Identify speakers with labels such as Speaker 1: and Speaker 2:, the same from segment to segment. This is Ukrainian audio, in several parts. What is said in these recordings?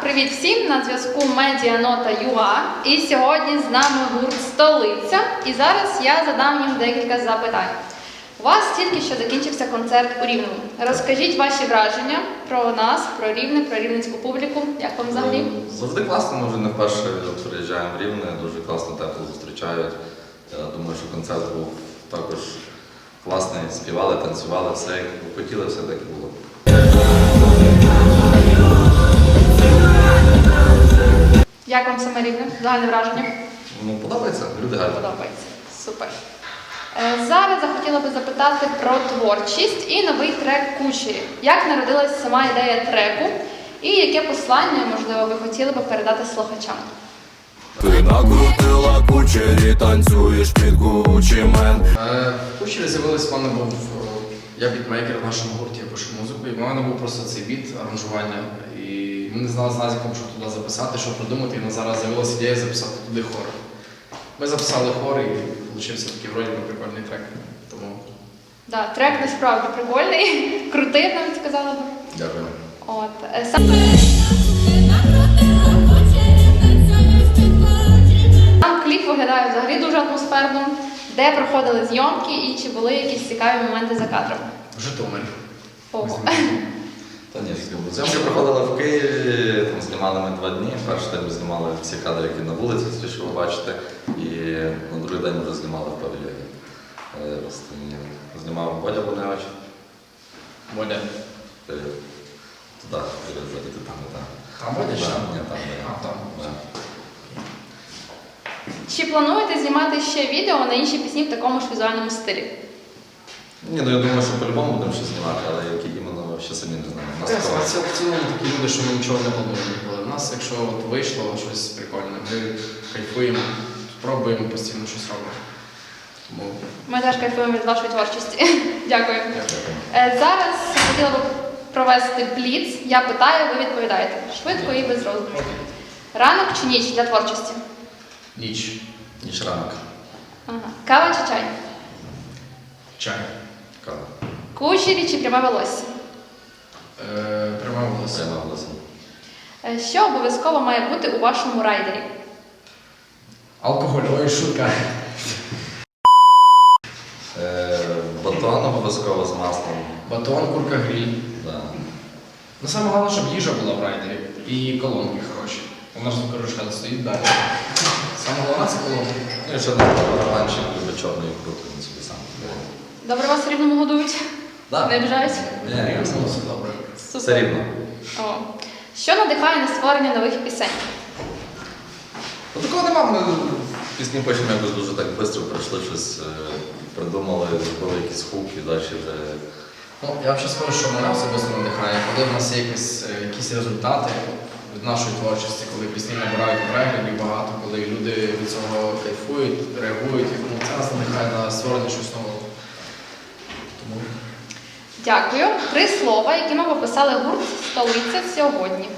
Speaker 1: Привіт всім! На зв'язку Медіанота.ua. І сьогодні з нами гурт «Столиця». І зараз я задам їм декілька запитань. У вас тільки що закінчився концерт у Рівному. Розкажіть ваші враження про нас, про Рівне, про рівненську публіку. Як вам взагалі?
Speaker 2: Завжди класно, ми вже не вперше приїжджаємо в Рівне, дуже класно, тепло зустрічають. Я думаю, що концерт був також класний, співали, танцювали, все як хотіли, все так і було.
Speaker 1: Як вам саме Рівне? Загальне враження?
Speaker 2: Подобається, люди гарні.
Speaker 1: Подобається. Супер. Зараз захотіла би запитати про творчість і новий трек «Кучері». Як народилась сама ідея треку і яке послання, можливо, ви хотіли би передати слухачам?
Speaker 3: Ти накрутила кучері, танцюєш під Gucci Man.
Speaker 4: В кучері з'явилось, в мене був, я бітмейкер в нашому гурті, я пишу музику, і в мене був просто цей біт, аранжування. І ми не знали з Назіком, що туди записати, що придумати, і в нас зараз з'явилася ідея записати туди хор. Ми записали хор і вийшов такий вроді би прикольний трек. Тому...
Speaker 1: Да, трек насправді прикольний, крутий, навіть сказала би.
Speaker 2: Дякую.
Speaker 1: Сам кліп виглядає взагалі дуже атмосферно. Де проходили зйомки і чи були якісь цікаві моменти за кадром?
Speaker 4: В Житомирі.
Speaker 1: Ого.
Speaker 2: Та ні, зйомки проходили в Києві, там знімали ми 2 дні. Перший день ми знімали всі кадри, які на вулиці, ті, що ви бачите. І на другий день ми вже знімали в павільйоні. Знімав Бодя Буневич.
Speaker 4: Бодя.
Speaker 2: Туди, ззаді, ти там, не там.
Speaker 4: Там Бодя чи там?
Speaker 2: Ні, там.
Speaker 4: А, там.
Speaker 1: Чи плануєте знімати ще відео на інші пісні в такому ж візуальному стилі?
Speaker 2: Ні, я думаю, що по-любому будемо щось знімати, але які іменно, ще самі не знаємо.
Speaker 4: В цілому такі люди, що ми нічого не плануємо ніколи. У нас, якщо вийшло щось прикольне, ми кайфуємо, пробуємо постійно щось робити. Тому...
Speaker 1: Ми теж кайфуємо від вашої творчості. Дякую.
Speaker 2: Дякую.
Speaker 1: Зараз хотіла би провести бліц. Я питаю, ви відповідаєте. Швидко і без роздумів. Ранок чи ніч для творчості?
Speaker 4: Ніч.
Speaker 2: Ніч ранок.
Speaker 1: Ага. Кава чи чай?
Speaker 4: Чай.
Speaker 2: Кава.
Speaker 1: Кучері чи пряме волосся?
Speaker 4: Пряме волосся.
Speaker 2: Прямо голосом.
Speaker 1: Що обов'язково має бути у вашому райдері?
Speaker 4: Алкоголь, ой, шутка.
Speaker 2: Батон обов'язково з маслом.
Speaker 4: Батон, курка гриль.
Speaker 2: Да.
Speaker 4: Ну, саме головне, щоб їжа була в райдері і колонки хороші. Вона ж звукорушка стоїть далі. Саме головне це колонки.
Speaker 2: Ну і ще один барабанчик любить чорної крути, він собі сам.
Speaker 1: Добре вас в Рівному годують?
Speaker 2: Да.
Speaker 1: Не обіжають?
Speaker 2: Ні,
Speaker 4: Все добре.
Speaker 2: все рівно.
Speaker 1: О. Що надихає на створення нових пісень?
Speaker 2: Такого нема, ми пісні потім якось дуже так швидко прийшли, щось придумали, зробили якісь хук і далі вже...
Speaker 4: Ну, я взагалі скажу, що мене особисто надихає, коли в нас є якісь результати від нашої творчості, коли пісні набирають переглядів багато, коли люди від цього кайфують, реагують, ну, це нас надихає на створення щось нового. Тому...
Speaker 1: Дякую. 3 слова, якими ви писали гурт «Столиця» сьогодні.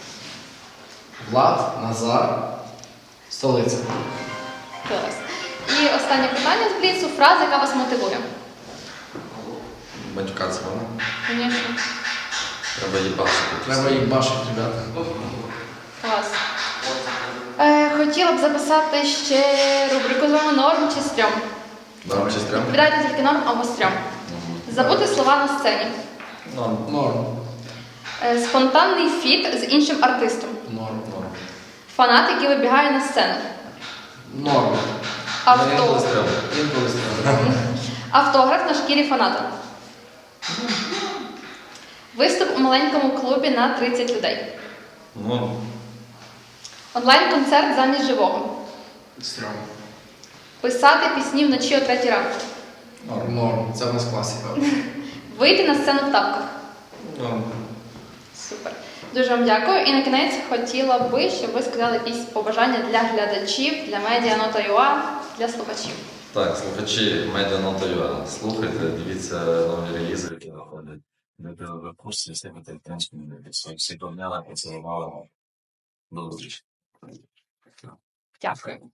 Speaker 4: Влад, Назар, Столиця.
Speaker 1: Клас. І останнє питання з бліцу. Фраза, яка вас мотивує.
Speaker 2: Матюкатися вона.
Speaker 1: Звісно.
Speaker 2: Треба їбашити.
Speaker 4: Треба їх бачити, ребята.
Speaker 1: Клас. Хотіла б записати ще рубрику з вами «Норм чи стрьом».
Speaker 2: Норм чи стрьом?
Speaker 1: Відповідайте тільки норм або стрьом. Забути слова на сцені.
Speaker 2: Норм.
Speaker 4: Норм.
Speaker 1: Спонтанний фіт з іншим артистом.
Speaker 4: Норм.
Speaker 1: Фанат, який вибігає на сцену.
Speaker 4: Норм.
Speaker 2: Інколи стрьом.
Speaker 4: Інколи стрьом.
Speaker 1: Автограф на шкірі фаната. Виступ у маленькому клубі на 30 людей.
Speaker 2: Ну,
Speaker 1: Онлайн-концерт замість живого.
Speaker 4: Стрьом.
Speaker 1: Писати пісні вночі о 3 ранку.
Speaker 4: Норм. Це в нас класика.
Speaker 1: Вийти на сцену в тапках.
Speaker 2: ну.
Speaker 1: Супер. Дуже вам дякую. І на кінець хотіла би, щоб ви сказали якісь побажання для глядачів, для Медіанота.ua, для слухачів.
Speaker 2: Так, слухачі Медіанота.ua, слухайте, дивіться нові релізи, які виходять. Ви в курсі, всі всі помняли, поцілували. До зустрічі.
Speaker 1: Дякую.